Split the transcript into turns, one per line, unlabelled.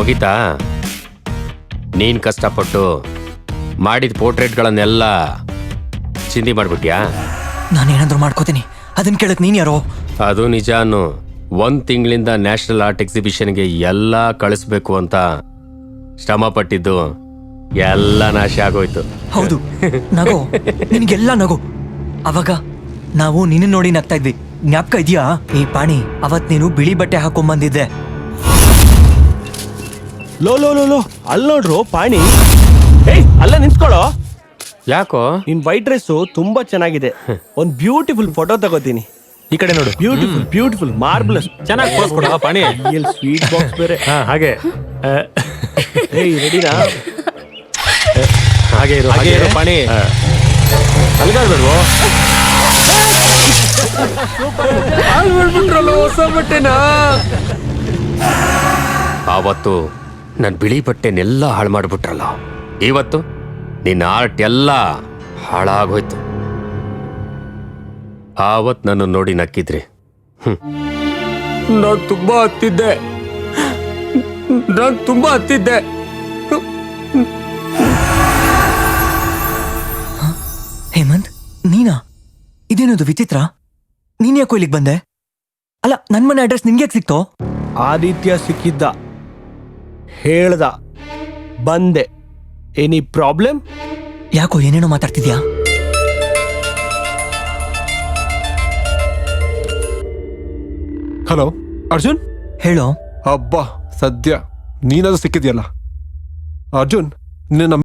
ಮುಗಿತಾ? ನೀನ್ ಕಷ್ಟಪಟ್ಟು ಮಾಡಿದ ಪೋರ್ಟ್ರೇಟ್ಗಳನ್ನೆಲ್ಲ ಚಿಂದಿ ಮಾಡ್ಬಿಟ್ಯಾ?
ನಾನೇನಾದ್ರೂ ಮಾಡ್ಕೋತೀನಿ, ಅದನ್ನ ಕೇಳಕ್ ನೀನ್ ಯಾರೋ?
ಅದು ನಿಜ ಅನ್ನು. 1 ತಿಂಗಳಿಂದ ನ್ಯಾಷನಲ್ ಆರ್ಟ್ ಎಕ್ಸಿಬಿಷನ್ಗೆ ಎಲ್ಲ ಕಳಿಸ್ಬೇಕು ಅಂತ ಶ್ರಮ ಪಟ್ಟಿದ್ದು ಎಲ್ಲ ನಾಶ ಆಗೋಯ್ತು.
ಹೌದು, ನಗೋ, ನಿನ್ಗೆಲ್ಲ ನಗೋ. ಅವಾಗ ನಾವು ನಿನ್ನ ನೋಡಿ ನಗ್ತಾ ಇದ್ವಿ, ಜ್ಞಾಪಕ ಇದೆಯಾ? ಈ ಪಾಣಿ, ಅವತ್ ನೀನು ಬಿಳಿ ಬಟ್ಟೆ ಹಾಕೊಂಡ್ಬಂದಿದ್ದೆ.
ಲೋ ಲೋ ಲೋ ಲೋ, ಅಲ್ಲಿ ನೋಡ್ರು ಪಾಣಿ. ಏಯ್, ಅಲ್ಲ ನಿಂತ್ಕೊಳ್ಳೋ.
ಯಾಕೋ?
ನಿನ್ ವೈಟ್ ಡ್ರೆಸ್ ತುಂಬಾ ಚೆನ್ನಾಗಿದೆ. ಒಂದ್ ಬ್ಯೂಟಿಫುಲ್ ಫೋಟೋ ತಗೋತೀನಿ.
ಈ ಕಡೆ ನೋಡು.
Beautiful beautiful marvellous.
ಚೆನ್ನಾಗಿ ಪೋಸ್ ಕೊಡ ಪಾಣಿ.
ಸ್ವೀಟ್ ಬಾಕ್ಸ್ ಬೇರೆ.
ಹಾಗೆ
ಏಯ್, ರೆಡಿನಾ?
ಹಾಗೆ ಇರು ಪಾಣಿ. ಅಲ್ಗಾಡ್ಬೇಡ್ವೋ?
ಹೊಸ ಬಟ್ಟೆನಾ? ಆವತ್ತು ನನ್ ಬಿಳಿ ಬಟ್ಟೆನೆಲ್ಲ ಹಾಳು ಮಾಡ್ಬಿಟ್ರಲ್ಲ, ಇವತ್ತು ನಿನ್ನ ಆರ್ಟ್ ಎಲ್ಲ ಹಾಳಾಗೋಯ್ತು. ಆವತ್ ನನ್ನ ನೋಡಿ ನಕ್ಕಿದ್ರಿ. ನಾನು ತುಂಬಾ ಹತ್ತಿದ್ದೆ.
ಹೇಮಂತ್, ನೀನಾ? ಇದೇನದು ವಿಚಿತ್ರ? ನೀನ್ ಯಾಕೋ ಇಲ್ಲಿಗೆ ಬಂದೆ? ಅಲ್ಲ, ನನ್ ಮನೆ ಅಡ್ರೆಸ್ ನಿನ್ಗೆ ಯಾಕೆ ಸಿಕ್ತೋ?
ಆದಿತ್ಯ ಸಿಕ್ಕಿದ್ದ, ಹೇಳ್ದ, ಬಂದೆ. Any problem?
ಯಾಕೋ ಏನೇನೋ ಮಾತಾಡ್ತಿದ್ಯಾ?
ಹಲೋ ಅರ್ಜುನ್.
ಹೇಳೋ.
ಅಬ್ಬಾ, ಸದ್ಯ ನೀನಾದ್ರೂ ಸಿಕ್ಕಿದ್ಯಲ್ಲ. ಅರ್ಜುನ್, ನಿನ್ನ